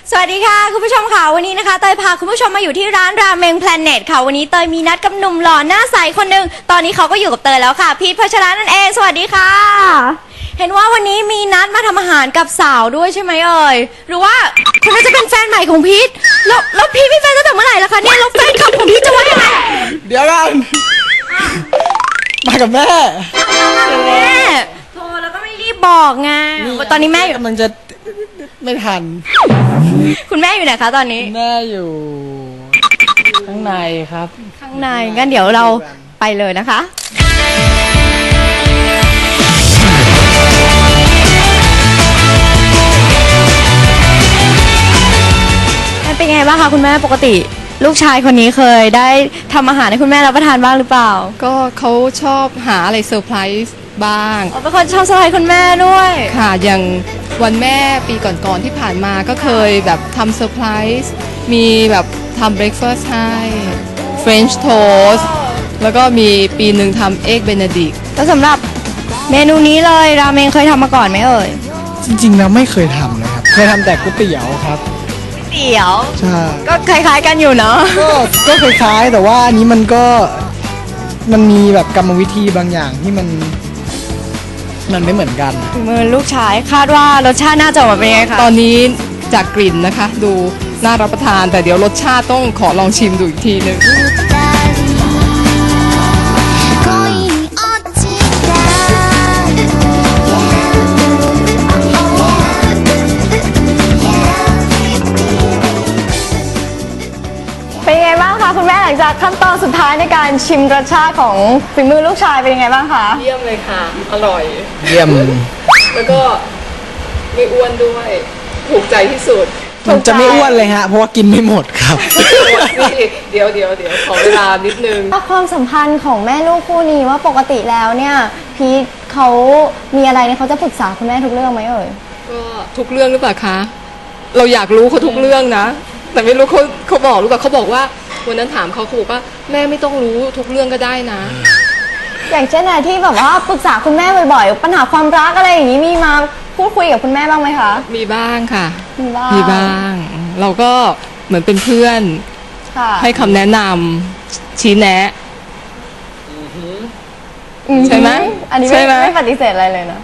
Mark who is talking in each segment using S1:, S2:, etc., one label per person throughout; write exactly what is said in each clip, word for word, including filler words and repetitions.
S1: สวัสดีค่ะคุณผู้ชมค่ะวันนี้นะคะเตยพาคุณผู้ชมมาอยู่ที่ร้านราเมงแพลเน็ตค่ะวันนี้เตยมีนัดกับหนุ่มหล่อหน้าใสคนหนึ่งตอนนี้เขาก็อยู่กับเตยแล้วค่ะพีทพัชระนั่นเองสวัสดีค่ะเห็นว่าวันนี้มีนัดมาทำอาหารกับสาวด้วยใช่ไหมเอ่ยหรือว่าคนนั้นจะเป็นแฟนใหม่ของพีทแล้วแล้วพีทมีแฟนตั้งแต่เมื่อไหร่ล่ะคะเนี่ยแล้วแฟนคลับของพีทจะว่ายังไง
S2: เดี๋ยวกันมากับแม่
S1: แม่โทรแล้วก็ไม่รีบบอกไงตอนนี้แม่อยู่
S2: มันจะไม่ทัน
S1: คุณแม่อยู่ไหนคะตอนนี้
S2: แม่อยู่ข้างในครับ
S1: ข้างในงั้นเดี๋ยวเราไปเลยนะคะเป็นไงบ้างคะคุณแม่ปกติลูกชายคนนี้เคยได้ทำอาหารให้คุณแม่รับประทานบ้างหรือเปล่า
S3: ก็เขาชอบหาอะไรเซอร์ไพรส์บ้าง
S1: อ๋อเป็นคนชอบเซอร์ไพรส์คุณแม่ด้วย
S3: ค่ะอย่างวันแม่ปีก่อนๆที่ผ่านมาก็เคยแบบทำเซอร์ไพรส์มีแบบทำเบรคฟาสต์ให้เฟรนช์โทสต์แล้วก็มีปีหนึ่งทำเอ็กเบเนดิก
S1: แล้วสำหรับเมนูนี้เลยราเมงเคยทำมาก่อนไหมเอ่ย
S2: จริงๆแล้วไม่เคยทำนะครับเคยทำแต่ก๋วยเตี๋ยวครับ
S1: เตี๋ยว
S2: ใช่
S1: ก็คล้ายๆกันอยู่เนาะ
S2: ก็ก็คล้ายๆแต่ว่าอันนี้มันก็มันมีแบบกรรมวิธีบางอย่างที่มันมันไม่เหมือนกัน
S1: มือลูกชายคาดว่ารสชาติน่าจะออกมาเป็นไงคะ
S3: ตอนนี้จากกลิ่นนะคะดูน่ารับประทานแต่เดี๋ยวรสชาติต้องขอลองชิมดูอีกทีนึง
S1: เป็นไงบ้างคะคุณแม่หลังจากขั้นตอนสุดท้ายในการชิมรสชาติของฝีมือลูกชายเป็นยังไงบ้างคะ
S3: เยี่ยมเลยค่ะอร่อย
S2: เยี่ยม
S3: แล้วก็ไม่อ้วนด้วยถูกใจที่สุด
S2: มันจะไม่อ้วนเลยฮะเพราะว่ากินไม่หมดครับ
S3: เดี๋ยวเดี๋ยวเดี๋ยวขอเวลานิดนึง
S1: ความสัมพันธ์ของแม่ลูกคู่นี้ว่าปกติแล้วเนี่ยพีทเขามีอะไรเนี่ยเขาจะปรึกษาคุณแม่ทุกเรื่องไหมเอ่ย
S3: ก็ทุกเรื่องหรือเปล่าคะเราอยากรู้เขาทุกเรื่องนะแต่ไม่รู้เขาเขาบอกหรือเปล่าเขาบอกว่าวันนั้นถามเขาเขาบอกว่าแม่ไม่ต้องรู้ทุกเรื่องก็ได้นะ
S1: อย่างเช่นอะไรที่แบบว่าปรึกษาคุณแม่บ่อยๆปัญหาความรักอะไรอย่างนี้มีมาพูดคุยกับคุณแม่บ้างไหมคะ
S3: มีบ้างค่ะ
S1: มีบ้าง
S3: มีบ้างเราก็เหมือนเป็นเพื่อนให้คำแนะนำชี้แนะใช่ไหม
S1: อันนี้ไม่ไม่ปฏิเสธอะไรเลยนะ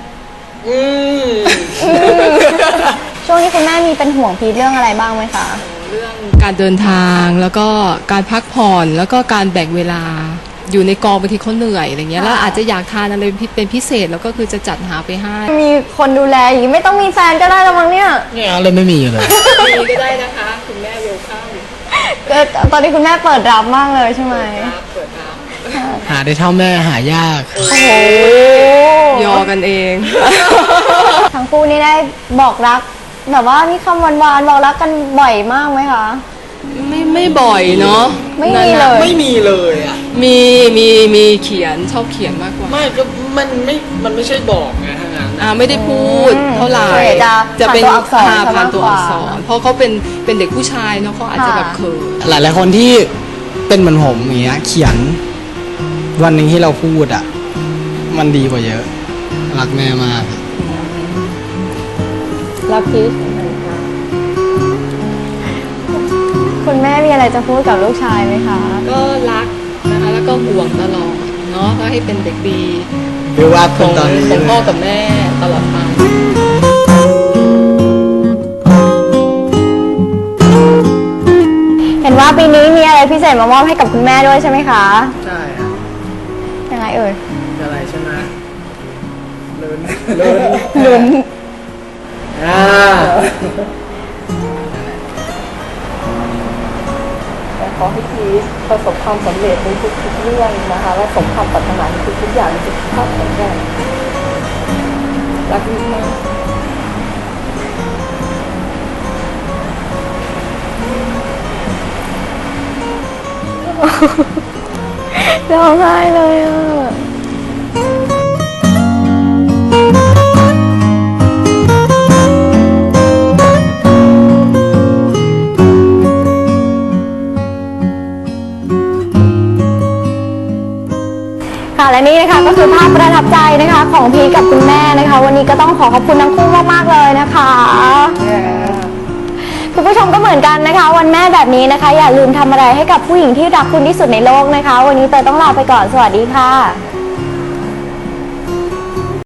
S1: ช่วงนี้คุณแม่มีเป็นห่วงพีทเรื่องอะไรบ้างไหมคะ
S3: เรื่องการเดินทางแล้วก็การพักผ่อนแล้วก็การแบ่งเวลาอยู่ในกองบางทีเขาเหนื่อยอะไรเงี้ยแล้วอาจจะอยากทานอะไรเป็นพิเศษแล้วก็คือจะจัดหาไปให้
S1: มีคนดูแลอย่างนี้ไม่ต้องมีแฟนก็ได้แล้วมั้งเนี่ย
S2: เนี่ยอะไรไม่มีเลย
S3: มีก็ได้นะคะคุณแม่เวลคัม
S1: ตอนนี้คุณแม่เปิดรับมากเลยใช่ไหม
S3: เปิดรับ
S2: หาได้เท่าแม่หายาก
S1: โอ้โห
S3: ยอกันเอง
S1: ทั้งคู่นี่ได้บอกรักแบบว่ามีคำหวานๆบอกรักกันบ่อยมากไหมคะ
S3: ไม่ไม่บ่อยเนาะ
S1: ไม่มีเลย
S2: ไม่มีเลยอ่ะ
S3: มีมีมีเขียนชอบเขียนมากกว่า
S2: ไม่ก็มันไม่มันไม่ใช่บอกไงทางนั้น
S3: อ่าไม่ได้พูดเท่าไหร่
S1: จะเป็น
S3: ผ่านตัวอักษรเพราะเขาเป็นเป็นเด็กผู้ชายเนาะเขาอาจจะแบบเขิน
S2: หลายหลายคนที่เป็นเหมือนผมอย่างเงี้ยเขียนวันหนึ่งที่เราพูดอ่ะมันดีกว่าเยอะรักแม่มาก
S1: รักพีทคุณแม่มีอะไรจะพูดกับลูกชายไหมคะ
S3: ก็รักนะคะแล้วก็ห่วงตลอดเนาะก็ให้เป็นเด็กดี
S2: ดูว่า
S3: ของ
S2: ตอนนี้
S3: ของพ่อกับแม่ตลอดไป
S1: เห็นว่าปีนี้มีอะไรพิเศษมามอบให้กับคุณแม่ด้วยใช่ไหมคะ
S2: ใช่ค่ะ
S1: ยังไงเอ่ย
S2: อะไรใช่ไหมลุ้น
S1: ลุ้นลุ้น
S2: อ่า
S3: ขอให้พีทประสบความสำเร็จในทุกๆเรื่องนะคะและสมความปรารถนาในทุกๆอย่างในสุขภาพแข็งแรงรักมาก
S1: ร้องไห้เลยอ่ะ ค่ะและนี่นะคะก็คือภาพประทับใจนะคะของพีกับคุณแม่นะคะวันนี้ก็ต้องขอขอบคุณทั้งคู่มากๆเลยนะคะคุณผู้ชมก็เหมือนกันนะคะวันแม่แบบนี้นะคะอย่าลืมทำอะไรให้กับผู้หญิงที่รักคุณที่สุดในโลกนะคะวันนี้เตยต้องลาไปก่อนสวัสดีค่ะ